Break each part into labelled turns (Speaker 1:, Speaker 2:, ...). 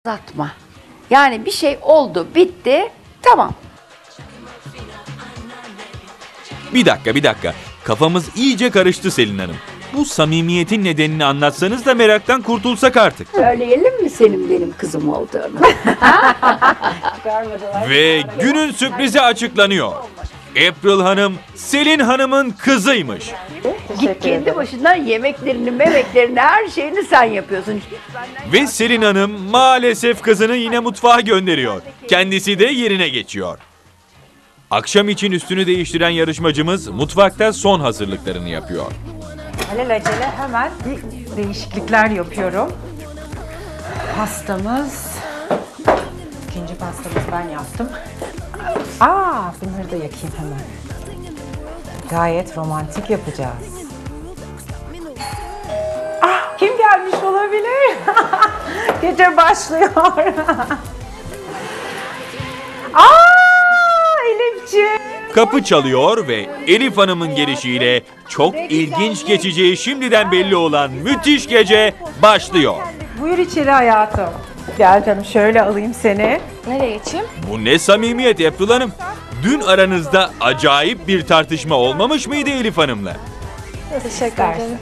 Speaker 1: Uzatma. Yani bir şey oldu, bitti, tamam.
Speaker 2: Bir dakika. Kafamız iyice karıştı Selin Hanım. Bu samimiyetin nedenini anlatsanız da meraktan kurtulsak artık.
Speaker 1: Söyleyelim mi senin benim kızım olduğunu?
Speaker 2: Ve günün sürprizi açıklanıyor. April Hanım, Selin Hanım'ın kızıymış.
Speaker 1: Git kendi başına yemeklerini, her şeyini sen yapıyorsun.
Speaker 2: Ve Selin Hanım maalesef kızını yine mutfağa gönderiyor. Kendisi de yerine geçiyor. Akşam için üstünü değiştiren yarışmacımız mutfakta son hazırlıklarını yapıyor.
Speaker 3: Alelacele hemen bir değişiklikler yapıyorum. Pastamız, ikinci pastamızı ben yaptım. Bunları da yakayım hemen. Gayet romantik yapacağız. Kim gelmiş olabilir? Gece başlıyor. Elifciğim.
Speaker 2: Kapı çalıyor ve Elif Hanım'ın gelişiyle çok ilginç geçeceği şimdiden belli olan müthiş gece başlıyor.
Speaker 3: Buyur içeri hayatım. Gel canım, şöyle alayım seni.
Speaker 4: Nereye geçeyim?
Speaker 2: Bu ne samimiyet April Hanım? Dün aranızda acayip bir tartışma olmamış mıydı Elif Hanım'la?
Speaker 4: Teşekkür ederim.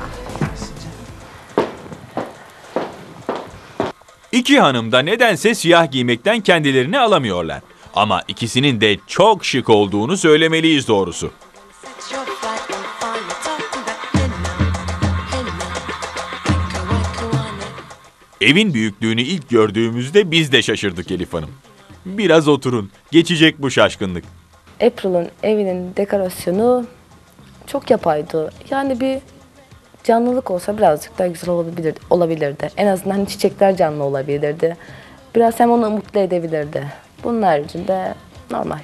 Speaker 2: İki hanım da nedense siyah giymekten kendilerini alamıyorlar. Ama ikisinin de çok şık olduğunu söylemeliyiz doğrusu. Evin büyüklüğünü ilk gördüğümüzde biz de şaşırdık Elif Hanım. Biraz oturun, geçecek bu şaşkınlık.
Speaker 4: April'ın evinin dekorasyonu çok yapaydı. Yani bir canlılık olsa birazcık daha güzel olabilirdi. En azından hani çiçekler canlı olabilirdi. Biraz hem onu mutlu edebilirdi. Bunun haricinde normal.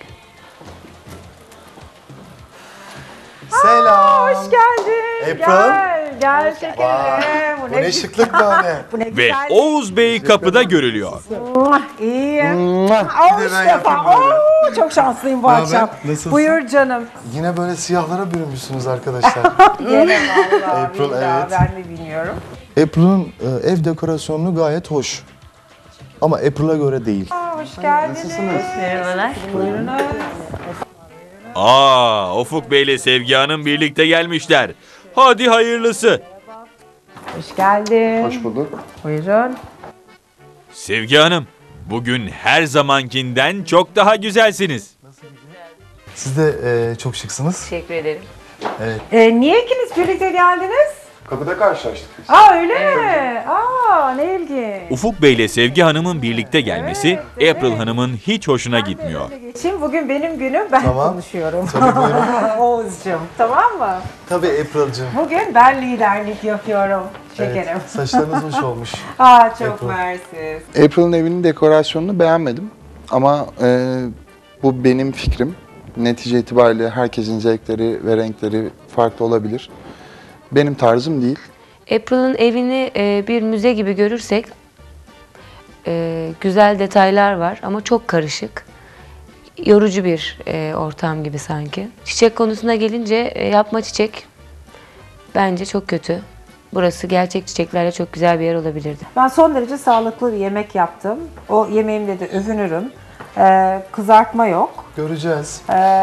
Speaker 5: Selam.
Speaker 3: Hoş geldin.
Speaker 5: April.
Speaker 3: Gel şekerim.
Speaker 5: Bu ne şıklık böyle.
Speaker 3: Bu ne
Speaker 2: Ve
Speaker 3: güzel.
Speaker 2: Oğuz Bey kapıda görülüyor.
Speaker 3: İyi.
Speaker 5: Bir de ben yapayım böyle.
Speaker 3: Çok şanslıyım bu
Speaker 5: Ne haber?
Speaker 3: akşam.
Speaker 5: Nasılsın?
Speaker 3: Buyur canım.
Speaker 5: Yine böyle siyahlara bürünmüşsünüz arkadaşlar.
Speaker 3: Gene vallahi
Speaker 5: April,
Speaker 3: billahi
Speaker 5: evet.
Speaker 3: ben de bilmiyorum.
Speaker 5: April'ın ev dekorasyonu gayet hoş. Ama April'a göre değil.
Speaker 3: Hoş geldiniz.
Speaker 4: Merhabalar.
Speaker 3: Buyurunuz.
Speaker 2: Ufuk Bey ile Sevgi Hanım birlikte gelmişler. Hadi hayırlısı.
Speaker 3: Hoş geldin.
Speaker 5: Hoş bulduk.
Speaker 3: Buyurun.
Speaker 2: Sevgi Hanım, bugün her zamankinden çok daha güzelsiniz.
Speaker 5: Siz de çok şıksınız.
Speaker 4: Teşekkür ederim.
Speaker 3: Niye ikiniz birlikte geldiniz?
Speaker 5: Kapıda karşılaştık biz.
Speaker 3: Öyle mi? Ne ilginç.
Speaker 2: Ufuk Bey ile Sevgi Hanım'ın birlikte gelmesi
Speaker 3: Evet.
Speaker 2: April Hanım'ın hiç hoşuna gitmiyor.
Speaker 3: Geçeyim, bugün benim günüm, ben
Speaker 5: Tamam.
Speaker 3: konuşuyorum.
Speaker 5: Tabii, buyurun.
Speaker 3: Oğuzcuğum, tamam mı?
Speaker 5: Tabii April'cığım.
Speaker 3: Bugün ben liderlik yapıyorum şekerim.
Speaker 5: Evet, saçlarınız hoş olmuş.
Speaker 3: Çok
Speaker 5: April.
Speaker 3: mersi.
Speaker 6: April'ın evinin dekorasyonunu beğenmedim ama bu benim fikrim. Netice itibariyle herkesin zevkleri ve renkleri farklı olabilir. Benim tarzım değil.
Speaker 7: April'ın evini bir müze gibi görürsek güzel detaylar var ama çok karışık. Yorucu bir ortam gibi sanki. Çiçek konusuna gelince yapma çiçek bence çok kötü. Burası gerçek çiçeklerle çok güzel bir yer olabilirdi.
Speaker 3: Ben son derece sağlıklı bir yemek yaptım. O yemeğimle de övünürüm. Kızartma yok.
Speaker 5: Göreceğiz,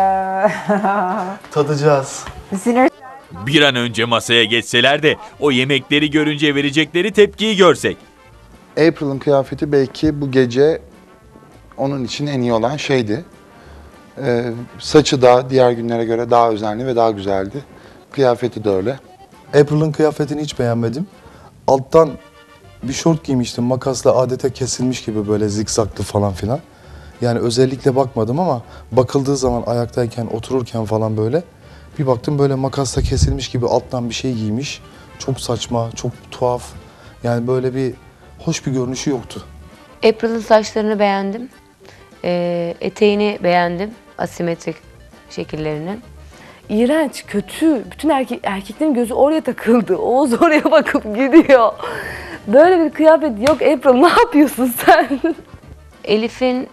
Speaker 5: tadacağız.
Speaker 3: Sinir
Speaker 2: Bir an önce masaya geçseler de o yemekleri görünce verecekleri tepkiyi görsek.
Speaker 6: April'ın kıyafeti belki bu gece onun için en iyi olan şeydi. Saçı da diğer günlere göre daha özenli ve daha güzeldi. Kıyafeti de öyle.
Speaker 5: April'ın kıyafetini hiç beğenmedim. Alttan bir şort giymiştim. Makasla adeta kesilmiş gibi böyle zikzaklı falan filan. Yani özellikle bakmadım ama bakıldığı zaman ayaktayken, otururken falan böyle bir baktım böyle makasla kesilmiş gibi alttan bir şey giymiş. Çok saçma, çok tuhaf. Yani böyle bir hoş bir görünüşü yoktu.
Speaker 7: April'ın saçlarını beğendim. Eteğini beğendim. Asimetrik şekillerini.
Speaker 4: İğrenç, kötü. Bütün erkeklerin gözü oraya takıldı. Oğuz oraya bakıp gidiyor. Böyle bir kıyafet yok April. Ne yapıyorsun sen?
Speaker 7: Elif'in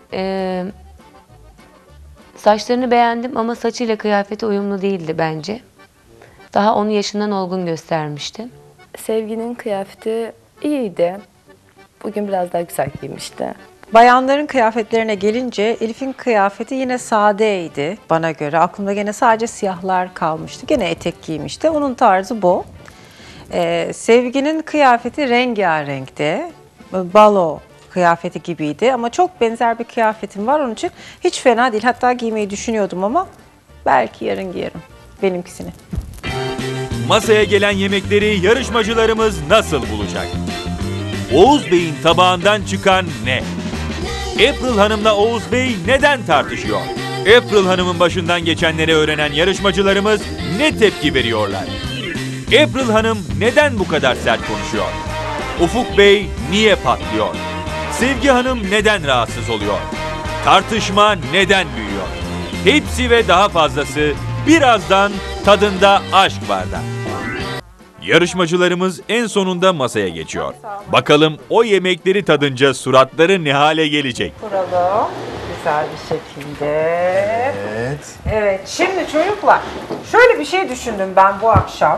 Speaker 7: saçlarını beğendim ama saçıyla kıyafeti uyumlu değildi bence. Daha onu yaşından olgun göstermişti.
Speaker 4: Sevginin kıyafeti iyiydi. Bugün biraz daha güzel giymişti.
Speaker 3: Bayanların kıyafetlerine gelince Elif'in kıyafeti yine sadeydi bana göre. Aklımda gene sadece siyahlar kalmıştı. Gene etek giymişti. Onun tarzı bu. Sevgi'nin kıyafeti rengarenkti. Balo kıyafeti gibiydi ama çok benzer bir kıyafetim var. Onun için hiç fena değil. Hatta giymeyi düşünüyordum ama belki yarın giyerim benimkisini.
Speaker 2: Masaya gelen yemekleri yarışmacılarımız nasıl bulacak? Oğuz Bey'in tabağından çıkan ne? April Hanım'la Oğuz Bey neden tartışıyor? April Hanım'ın başından geçenleri öğrenen yarışmacılarımız ne tepki veriyorlar? April Hanım neden bu kadar sert konuşuyor? Ufuk Bey niye patlıyor? Sevgi Hanım neden rahatsız oluyor? Tartışma neden büyüyor? Hepsi ve daha fazlası birazdan Tadında Aşk Var'da. Yarışmacılarımız en sonunda masaya geçiyor. Bakalım o yemekleri tadınca suratları ne hale gelecek?
Speaker 3: Kuralım güzel bir şekilde.
Speaker 5: Evet.
Speaker 3: Evet, şimdi çocuklar şöyle bir şey düşündüm ben bu akşam.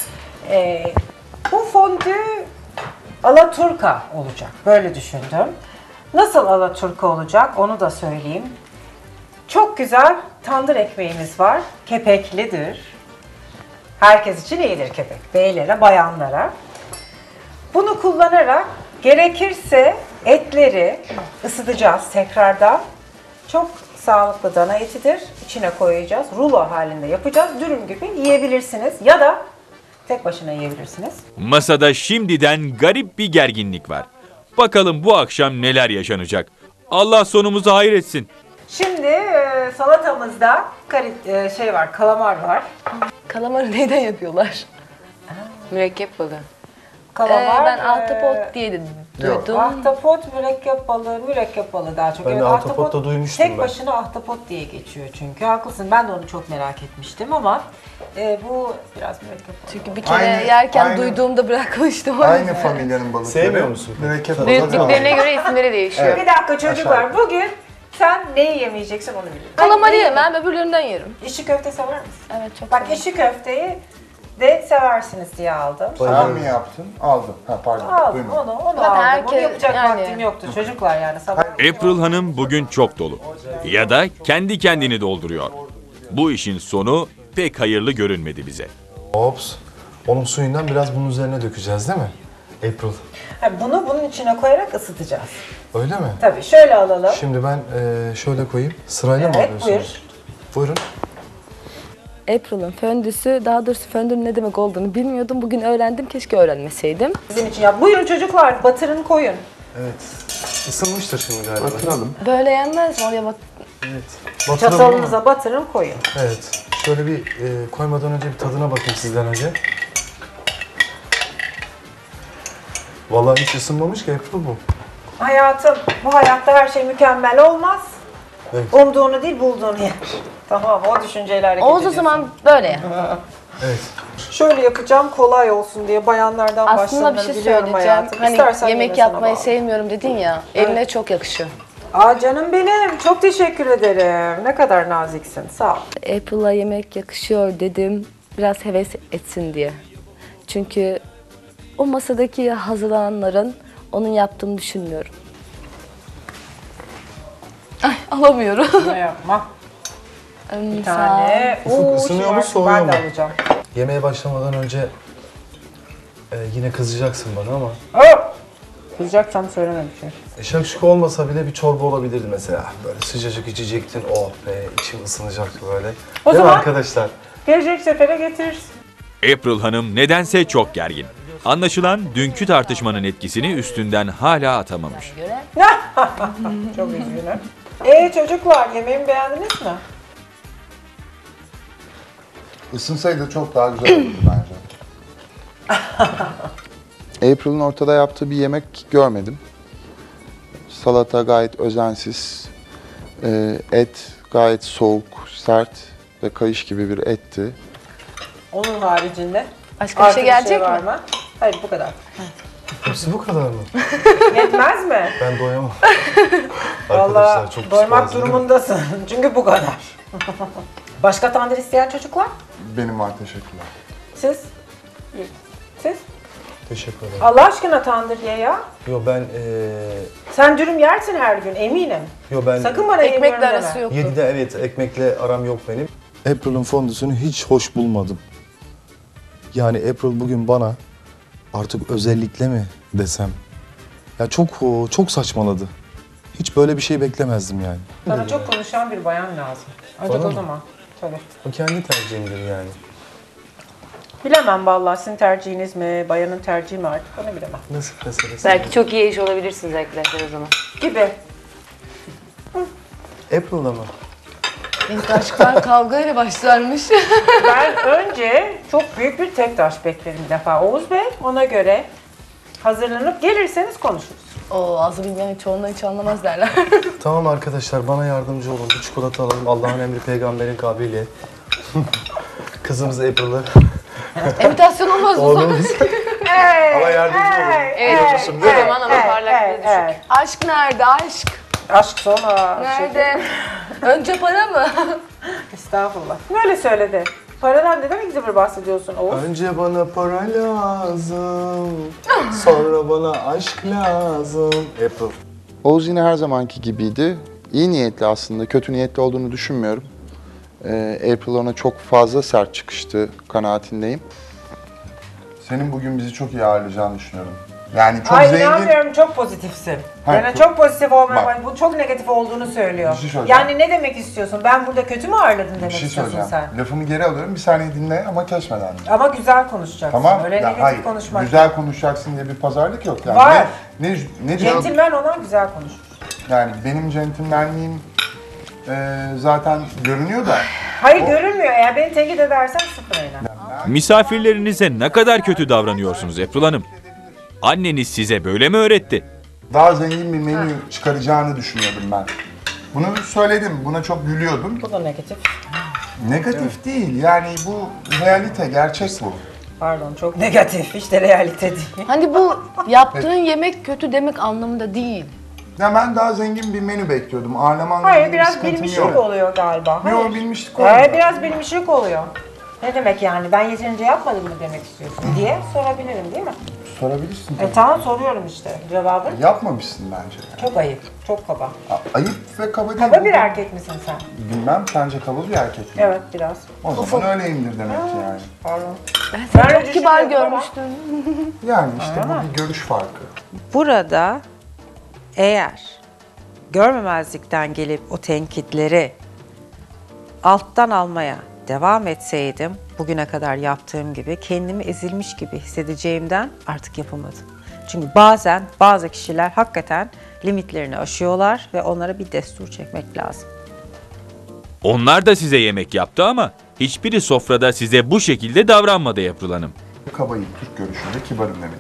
Speaker 3: Bu fondü alaturka olacak, böyle düşündüm. Nasıl alaturka olacak onu da söyleyeyim. Çok güzel tandır ekmeğimiz var, kepeklidir. Herkes için iyidir kepek, beylere, bayanlara. Bunu kullanarak gerekirse etleri ısıtacağız tekrardan. Çok sağlıklı dana etidir. İçine koyacağız. Rulo halinde yapacağız. Dürüm gibi yiyebilirsiniz ya da tek başına yiyebilirsiniz.
Speaker 2: Masada şimdiden garip bir gerginlik var. Bakalım bu akşam neler yaşanacak? Allah sonumuzu hayır etsin.
Speaker 3: Şimdi salatamızda kalamar var.
Speaker 4: Kalamarı neyden yapıyorlar?
Speaker 7: Mürekkep balığı.
Speaker 3: Kalamar.
Speaker 4: Ben ahtapot diye de duydum.
Speaker 3: Ahtapot, mürekkep balığı daha çok.
Speaker 5: Ben de ahtapot da duymuştum
Speaker 3: tek
Speaker 5: ben.
Speaker 3: başına ahtapot diye geçiyor çünkü. Haklısın, ben de onu çok merak etmiştim ama bu biraz mürekkep balığı.
Speaker 4: Çünkü bir kere
Speaker 6: Aynı-
Speaker 4: yerken
Speaker 6: aynı-
Speaker 4: duyduğumda bırakmıştım.
Speaker 6: Aynı familyanın balıkları.
Speaker 5: Sevmiyor musun?
Speaker 6: Mürekkep balığı.
Speaker 7: Büyüklüklerine göre isimleri değişiyor.
Speaker 3: Bir dakika çocuklar, bugün sen neyi yemeyeceksin onu biliyorum.
Speaker 4: Kalamarı yemem, öbürlerinden yerim.
Speaker 3: İşi köfte sever misin?
Speaker 4: Evet, çok
Speaker 3: Bak
Speaker 4: severim.
Speaker 3: işi köfteyi de seversiniz diye aldım.
Speaker 6: Sen mi yaptın? Aldım. Ha pardon.
Speaker 3: Aldım
Speaker 6: Duymadım.
Speaker 3: onu
Speaker 4: Zaten
Speaker 3: aldım. Onu
Speaker 4: herkes-
Speaker 3: yapacak
Speaker 4: yani-
Speaker 3: vaktim yoktu çocuklar yani sabah.
Speaker 2: April Hanım bugün çok dolu. Ya da kendi kendini dolduruyor. Bu işin sonu pek hayırlı görünmedi bize.
Speaker 5: Ops. Onun suyundan biraz bunun üzerine dökeceğiz değil mi? April.
Speaker 3: Bunu bunun içine koyarak ısıtacağız.
Speaker 5: Öyle mi?
Speaker 3: Tabii şöyle alalım.
Speaker 5: Şimdi ben şöyle koyayım. Sırayla mı
Speaker 3: Evet,
Speaker 5: alıyorsunuz? Buyurun.
Speaker 4: April'ın föndüsü, daha doğrusu föndünün ne demek olduğunu bilmiyordum. Bugün öğrendim, keşke öğrenmeseydim.
Speaker 3: Sizin için yap. Buyurun çocuklar, batırın koyun.
Speaker 5: Evet. Isınmıştır şimdi galiba.
Speaker 6: Batıralım.
Speaker 4: Böyle yenmez mi? Oraya bak.
Speaker 5: Evet. Batıralım mı?
Speaker 3: Çatalınıza batırın koyun.
Speaker 5: Evet. Şöyle bir koymadan önce bir tadına bakayım sizden önce. Vallahi hiç ısınmamış ki April bu.
Speaker 3: Hayatım, bu hayatta her şey mükemmel olmaz.
Speaker 5: Evet.
Speaker 3: Umduğunu değil, bulduğunu yer. Tamam, o düşünceyle hareket
Speaker 4: Oğuz o
Speaker 3: ediyorsun.
Speaker 4: zaman böyle ya.
Speaker 5: Evet.
Speaker 3: Şöyle yapacağım kolay olsun diye bayanlardan
Speaker 4: Aslında bir
Speaker 3: başlanır
Speaker 4: şey
Speaker 3: biliyorum
Speaker 4: söyleyeceğim.
Speaker 3: hayatım.
Speaker 4: Hani
Speaker 3: İstersen
Speaker 4: yemek
Speaker 3: yine sana
Speaker 4: yapmayı
Speaker 3: bağlı.
Speaker 4: sevmiyorum dedin ya. Eline çok yakışıyor.
Speaker 3: Aa canım benim, çok teşekkür ederim. Ne kadar naziksin, sağ ol.
Speaker 4: April'a yemek yakışıyor dedim. Biraz heves etsin diye. Çünkü o masadaki hazırlananların onun yaptığını düşünmüyorum. Ay alamıyorum.
Speaker 3: Ne yapma. Bir
Speaker 4: Sağ ol.
Speaker 3: tane. Oo,
Speaker 5: ısınıyor mu,
Speaker 3: şu
Speaker 5: soğuyor
Speaker 3: ben de
Speaker 5: mu?
Speaker 3: alacağım.
Speaker 5: Yemeğe başlamadan önce yine kızacaksın bana ama
Speaker 3: Aa! Kızacaksam söyleme bir şey.
Speaker 5: şakşuka olmasa bile bir çorba olabilirdi mesela. Böyle sıcacık içecektin. Oh be, içim ısınacaktı böyle.
Speaker 3: O
Speaker 5: Değil mi
Speaker 3: zaman-
Speaker 5: arkadaşlar?
Speaker 3: Gelecek sefere getiririz.
Speaker 2: April Hanım nedense çok gergin. Anlaşılan dünkü tartışmanın etkisini üstünden hala atamamış.
Speaker 3: Çok üzgünüm. Çocuklar, yemeğimi beğendiniz mi?
Speaker 6: Isınsaydı çok daha güzel olurdu bence. April'ın ortada yaptığı bir yemek görmedim. Salata gayet özensiz. Et gayet soğuk, sert ve kayış gibi bir etti.
Speaker 3: Onun haricinde.
Speaker 4: Başka bir şey gelecek
Speaker 3: var
Speaker 4: mi?
Speaker 3: mı? Hayır, bu kadar.
Speaker 5: Hepsi bu kadar mı?
Speaker 3: Yetmez mi?
Speaker 5: Ben doyamam.
Speaker 3: Vallahi
Speaker 5: Arkadaşlar çok
Speaker 3: doymak
Speaker 5: pis değil mi?
Speaker 3: durumundasın. Çünkü bu kadar. Başka tandır isteyen çocuklar?
Speaker 6: Benim var, teşekkürler.
Speaker 3: Siz? Siz?
Speaker 5: Teşekkür ederim.
Speaker 3: Allah aşkına tandır ye ya.
Speaker 5: Yo ben
Speaker 3: Sen dürüm yersin her gün eminim.
Speaker 5: ben
Speaker 3: Sakın bana
Speaker 4: Ekmekle
Speaker 3: yemiyorum
Speaker 4: arası
Speaker 3: deme.
Speaker 4: yoktu.
Speaker 5: 7'de evet ekmekle aram yok benim. April'ın fondüsünü hiç hoş bulmadım. Yani April bugün bana artık özellikle mi desem. Ya çok saçmaladı. Hiç böyle bir şey beklemezdim yani.
Speaker 3: Sana çok konuşan bir bayan lazım. Ancak
Speaker 5: Bana
Speaker 3: o
Speaker 5: mı?
Speaker 3: zaman. Tabii.
Speaker 5: O kendi tercihimdir yani.
Speaker 3: Bilemem vallahi sizin tercihiniz mi, bayanın tercihi mi artık onu bilemem.
Speaker 5: Nasıl meselesi?
Speaker 7: Belki çok iyi eş olabilirsiniz arkadaşlar o zaman.
Speaker 3: Gibi.
Speaker 5: April'da mı?
Speaker 4: İlk aşklar kavgayla başlarmış.
Speaker 3: Ben önce çok büyük bir tek taş beklerim bir defa Oğuz Bey. Ona göre hazırlanıp gelirseniz konuşuruz.
Speaker 4: O ağzı bilmeyen çoğundan hiç anlamaz derler.
Speaker 5: Tamam arkadaşlar bana yardımcı olun. Bir çikolata alalım. Allah'ın emri peygamberin kavliyle. Kızımız April'ı.
Speaker 4: İmitasyon olmaz o zaman.
Speaker 5: Oğlumuz. Ama yardımcı olun.
Speaker 7: Evet, o zaman ama parlaklığı düşük.
Speaker 4: Aşk nerede aşk?
Speaker 3: Aşk sonra.
Speaker 4: Nerede? Önce para mı?
Speaker 3: Estağfurullah. Böyle söyledi. Paradan neden ilgili bahsediyorsun Oğuz?
Speaker 5: Önce bana para lazım. Sonra bana aşk lazım. April.
Speaker 6: Oğuz yine her zamanki gibiydi. İyi niyetli aslında, kötü niyetli olduğunu düşünmüyorum. April ona çok fazla sert çıkıştı kanaatindeyim. Senin bugün bizi çok iyi ağırlayacağını düşünüyorum. Yani çok
Speaker 3: Ay
Speaker 6: zengin...
Speaker 3: inanmıyorum çok pozitifsin.
Speaker 6: Hayır,
Speaker 3: Yani çok pozitif olmaya
Speaker 6: bak.
Speaker 3: bu çok negatif olduğunu söylüyor.
Speaker 6: Bir şey söyleyeceğim.
Speaker 3: Yani ne demek istiyorsun? Ben burada kötü mü ağırladın
Speaker 6: Bir
Speaker 3: demek
Speaker 6: şey
Speaker 3: istiyorsun
Speaker 6: söyleyeceğim.
Speaker 3: sen?
Speaker 6: Lafımı geri alıyorum. Bir saniye dinle ama kesmeden.
Speaker 3: Ama güzel konuşacaksın.
Speaker 6: Tamam?
Speaker 3: Öyle
Speaker 6: Ya
Speaker 3: negatif
Speaker 6: hayır.
Speaker 3: konuşmak.
Speaker 6: Güzel konuşacaksın diye bir pazarlık yok yani.
Speaker 3: Var.
Speaker 6: Ne diyor?
Speaker 3: Centilmen olan güzel konuşur.
Speaker 6: Yani benim centilmenliğim zaten görünüyor da.
Speaker 3: Hayır görünmüyor. Eğer beni tenkit edersen sıfır oyna.
Speaker 2: Misafirlerinize ne kadar kötü davranıyorsunuz April Hanım? Anneniz size böyle mi öğretti?
Speaker 6: Daha zengin bir menü çıkaracağını düşünüyordum ben. Bunu söyledim. Buna çok gülüyordum.
Speaker 3: Bu da negatif.
Speaker 6: Negatif değil. Yani bu realite, gerçek bu.
Speaker 3: Pardon çok negatif. İşte realite değil.
Speaker 4: Hani bu yaptığın yemek kötü demek anlamında değil.
Speaker 6: Ya ben daha zengin bir menü bekliyordum. Ağırlamanla
Speaker 3: Hayır
Speaker 6: ilgili bir
Speaker 3: biraz
Speaker 6: sıkıntım
Speaker 3: bilmişlik
Speaker 6: yok.
Speaker 3: oluyor galiba. Hayır.
Speaker 6: Yok bilmişlik olmuyor.
Speaker 3: Biraz bilmişlik oluyor. Ne demek yani? Ben yeterince yapmadım mı demek istiyorsun diye sorabilirim değil mi?
Speaker 6: Sorabilirsin.
Speaker 3: Tamam soruyorum işte. Cevabı
Speaker 6: Yapmamışsın bence.
Speaker 3: çok ayıp, çok kaba.
Speaker 6: Ayıp ve kaba değil.
Speaker 3: Kaba bir erkek misin sen?
Speaker 6: Bilmem, sence kaba bir erkek mi?
Speaker 3: Evet biraz.
Speaker 6: O zaman öyleyimdir demek ki yani.
Speaker 3: Pardon.
Speaker 4: Ben seni
Speaker 3: Ben öyle
Speaker 4: çok kibar
Speaker 3: düşünmüyorum ama.
Speaker 4: görmüştüm.
Speaker 6: Yani işte bu bir görüş farkı.
Speaker 3: Burada eğer görmemezlikten gelip o tenkitleri alttan almaya devam etseydim bugüne kadar yaptığım gibi kendimi ezilmiş gibi hissedeceğimden artık yapamadım. Çünkü bazen bazı kişiler hakikaten limitlerini aşıyorlar ve onlara bir destur çekmek lazım.
Speaker 2: Onlar da size yemek yaptı ama hiçbiri sofrada size bu şekilde davranmadı April Hanım.
Speaker 6: Kabayım, Türk görüşünde kibarım demek.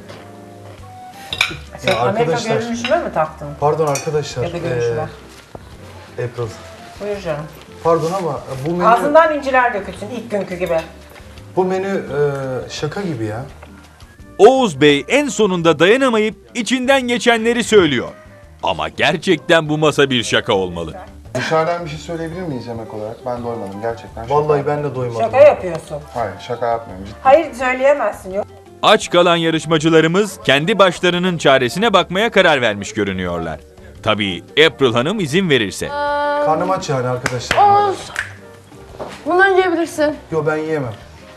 Speaker 3: Sen Amerika
Speaker 5: arkadaşlar-
Speaker 3: görünüşüme mi taktın?
Speaker 5: Pardon arkadaşlar.
Speaker 3: Ya da görüşüme.
Speaker 5: April.
Speaker 3: Buyur canım.
Speaker 5: Pardon ama bu menü,
Speaker 3: Ağzından inciler dökülsün ilk günkü gibi.
Speaker 5: bu menü şaka gibi ya.
Speaker 2: Oğuz Bey en sonunda dayanamayıp içinden geçenleri söylüyor. Ama gerçekten bu masa bir şaka olmalı.
Speaker 6: Dışarıdan bir şey söyleyebilir miyiz yemek olarak? Ben doymadım gerçekten. şaka
Speaker 5: Vallahi
Speaker 6: yapmıyorum.
Speaker 5: ben de doymadım.
Speaker 3: Şaka yapıyorsun.
Speaker 6: Hayır, şaka yapmıyorum. Ciddi.
Speaker 3: Hayır söyleyemezsin. Yok.
Speaker 2: Aç kalan yarışmacılarımız kendi başlarının çaresine bakmaya karar vermiş görünüyorlar. Tabii April Hanım izin verirse.
Speaker 5: Karnım aç yani arkadaşlar.
Speaker 4: Oğuz. Bunları yiyebilirsin.
Speaker 5: Yo ben yiyemem.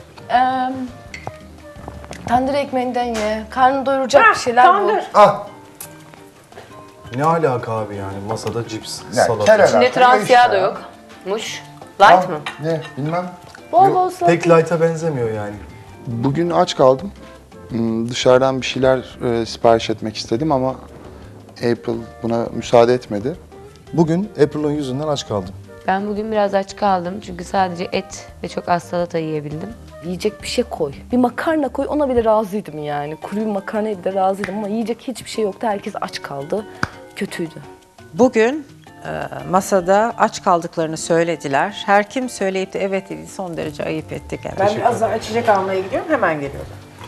Speaker 4: Tandır ekmeğinden ye. Karnını doyuracak bir şeyler
Speaker 3: Tandır.
Speaker 4: bul.
Speaker 5: Ah! Ne alaka abi yani masada cips,
Speaker 6: Ya,
Speaker 5: salata.
Speaker 6: kel
Speaker 7: İçinde
Speaker 6: alaka,
Speaker 7: trans
Speaker 6: işte
Speaker 7: yağ
Speaker 6: ya.
Speaker 7: da yok. Muş. Light mı?
Speaker 6: Ne, bilmem.
Speaker 4: Bol bol salata.
Speaker 5: Pek light'a benzemiyor yani.
Speaker 6: Bugün aç kaldım. Dışarıdan bir şeyler sipariş etmek istedim ama April buna müsaade etmedi.
Speaker 5: Bugün April'ın yüzünden aç kaldım.
Speaker 7: Ben bugün biraz aç kaldım çünkü sadece et ve çok az salata yiyebildim.
Speaker 4: Yiyecek bir şey koy. Bir makarna koy, ona bile razıydım yani. Kuru bir makarnaya bile razıydım ama yiyecek hiçbir şey yoktu. Herkes aç kaldı. Kötüydü.
Speaker 3: Bugün masada aç kaldıklarını söylediler. Her kim söyleyip de evet dedi son derece ayıp ettik. Yani. Ben biraz daha içecek almaya gidiyorum hemen geliyorum.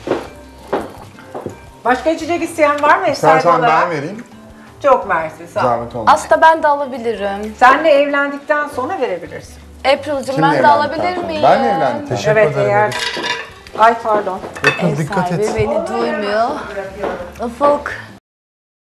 Speaker 3: Başka içecek isteyen var mı Esra
Speaker 6: İstersen
Speaker 3: olarak?
Speaker 6: ben vereyim.
Speaker 3: Çok mersi sağ ol.
Speaker 6: Zahmet olmasın.
Speaker 4: Aslında ben de alabilirim.
Speaker 3: Senle evlendikten sonra verebilirsin.
Speaker 4: April'cığım
Speaker 6: Kimle
Speaker 4: ben de
Speaker 6: evlendikten
Speaker 4: alabilir
Speaker 6: sonra?
Speaker 4: miyim?
Speaker 6: Ben mi evlendim?
Speaker 5: Teşekkür
Speaker 3: Evet
Speaker 5: ederim.
Speaker 3: eğer
Speaker 5: Elif.
Speaker 3: Ay pardon.
Speaker 5: Öpür, dikkat et.
Speaker 4: Beni duymuyor. Ufuk.